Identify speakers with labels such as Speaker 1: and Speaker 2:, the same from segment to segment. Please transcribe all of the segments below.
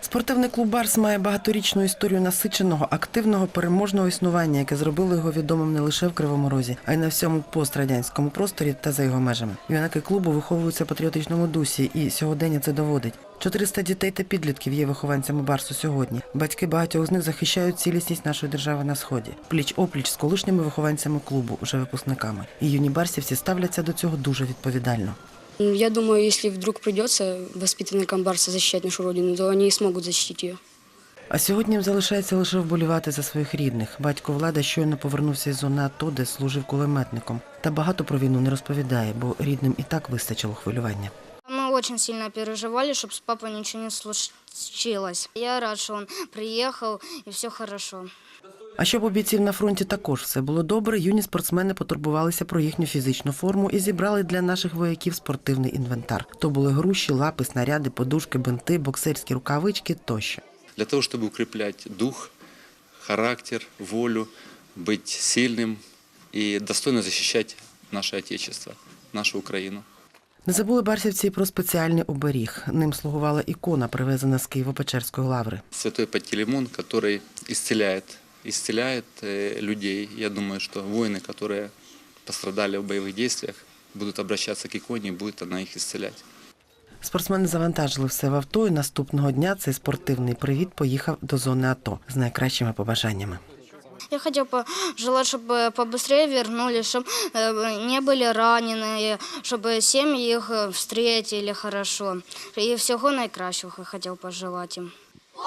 Speaker 1: Спортивний клуб «Барс» має багаторічну історію насиченого, активного, переможного існування, яке зробило його відомим не лише в Кривому Розі, а й на всьому пострадянському просторі та за його межами. Юнаки клубу виховуються в патріотичному дусі, і сьогодення це доводить. 400 дітей та підлітків є вихованцями «Барсу» сьогодні. Батьки багатьох з них захищають цілісність нашої держави на Сході. Пліч-опліч з колишніми вихованцями клубу, уже випускниками. І юні барсівці ставляться до цього дуже відповідально.
Speaker 2: Я думаю, если вдруг придется воспитанникам «Барса» защищать нашу родину, то они смогут защитить ее.
Speaker 1: А сьогодні їм залишається лише вболівати за своїх рідних. Батько Влада щойно повернувся із зони АТО, де служив кулеметником. Та багато про війну не розповідає, бо рідним і так вистачило хвилювання.
Speaker 3: Мы очень сильно переживали, чтобы с папой ничего не случилось. Я рад, что он приехал и все хорошо.
Speaker 1: А щоб у бійців на фронті також все було добре, юні спортсмени потурбувалися про їхню фізичну форму і зібрали для наших вояків спортивний інвентар. То були груші, лапи, снаряди, подушки, бинти, боксерські рукавички тощо.
Speaker 4: Для того, чтобы укреплять дух, характер, волю, быть сильным и достойно защищать наше Отечество, нашу Украину.
Speaker 1: Не забули барсівці і про спеціальний оберіг. Ним слугувала ікона, привезена з Києво-Печерської лаври.
Speaker 4: Святой Пантелеймон, который исцеляет людей. Я думаю, что воины, которые пострадали в боевых действиях, будут обращаться к иконе, и будет она их исцелять.
Speaker 1: Спортсмени завантажили все в авто, і наступного дня цей спортивний привіт поїхав до зони АТО з найкращими побажаннями.
Speaker 3: Я хотел пожелать, чтобы побыстрее вернулись, чтобы не были раненые, чтобы семьи их встретили хорошо. И всего найкращого я хотел пожелать им.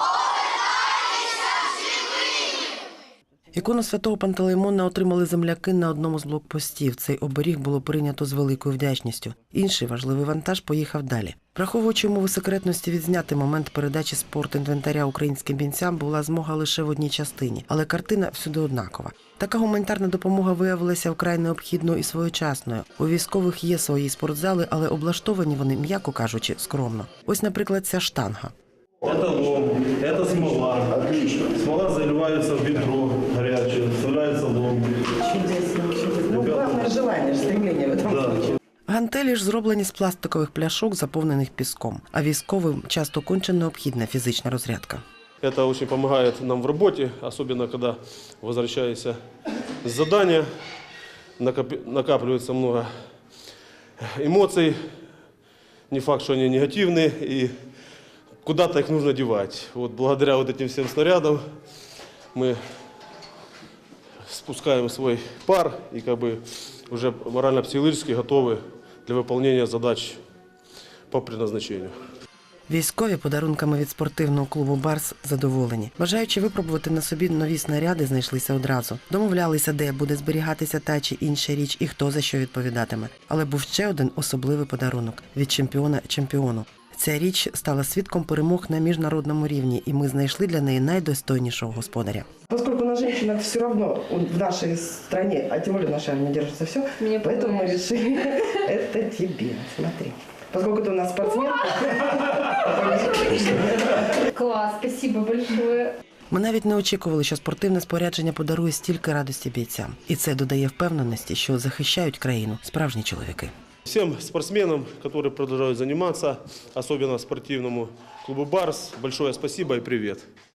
Speaker 1: Ікону святого Пантелеймона отримали земляки на одному з блокпостів. Цей оберіг було прийнято з великою вдячністю. Інший важливий вантаж поїхав далі. Враховуючи умови секретності, відзняти момент передачі спортінвентаря українським бійцям була змога лише в одній частині, але картина всюди однакова. Така гуманітарна допомога виявилася вкрай необхідною і своєчасною. У військових є свої спортзали, але облаштовані вони, м'яко кажучи, скромно. Ось, наприклад, ця штанга.
Speaker 5: Это лом, это смола. Отлично. Смола заливается в ведро горячее, вставляется лом.
Speaker 1: Чудесно. Ну, главное желание, стремление в этом случае. Гантелі ж зроблені з пластикових пляшок, заповнених піском. А військовим часто конче необхідна фізична розрядка.
Speaker 5: Это очень помогает нам в работе, особенно когда возвращаешься с задания, накапливается много эмоций, не факт, что они негативные, и куда-то их нужно девать. Вот благодаря вот этим всем снарядам мы спускаем свой пар и как бы уже морально-психологически готовы для выполнения задач по предназначению.
Speaker 1: Військові подарунками від спортивного клубу «Барс» задоволені. Бажаючи випробувати на собі нові снаряди, знайшлися одразу. Домовлялися, де буде зберігатися та чи інша річ і хто за що відповідатиме. Але був ще один особливий подарунок – від чемпіона чемпіону. Ця річ стала свідком перемог на міжнародному рівні, і ми знайшли для неї найдостойнішого господаря.
Speaker 6: Поскольку на женщинах все равно в нашей стране, а тем более в нашей армии держится все, поэтому мы решили, это тебе, смотри. Поскольку ты у нас спортсмен.
Speaker 7: Класс, спасибо большое.
Speaker 1: Ми навіть не очікували, що спортивне спорядження подарує стільки радості бійцям. І це додає впевненості, що захищають країну справжні чоловіки.
Speaker 5: Всем спортсменам, которые продолжают заниматься, особенно спортивному клубу «Барс», большое спасибо и привет.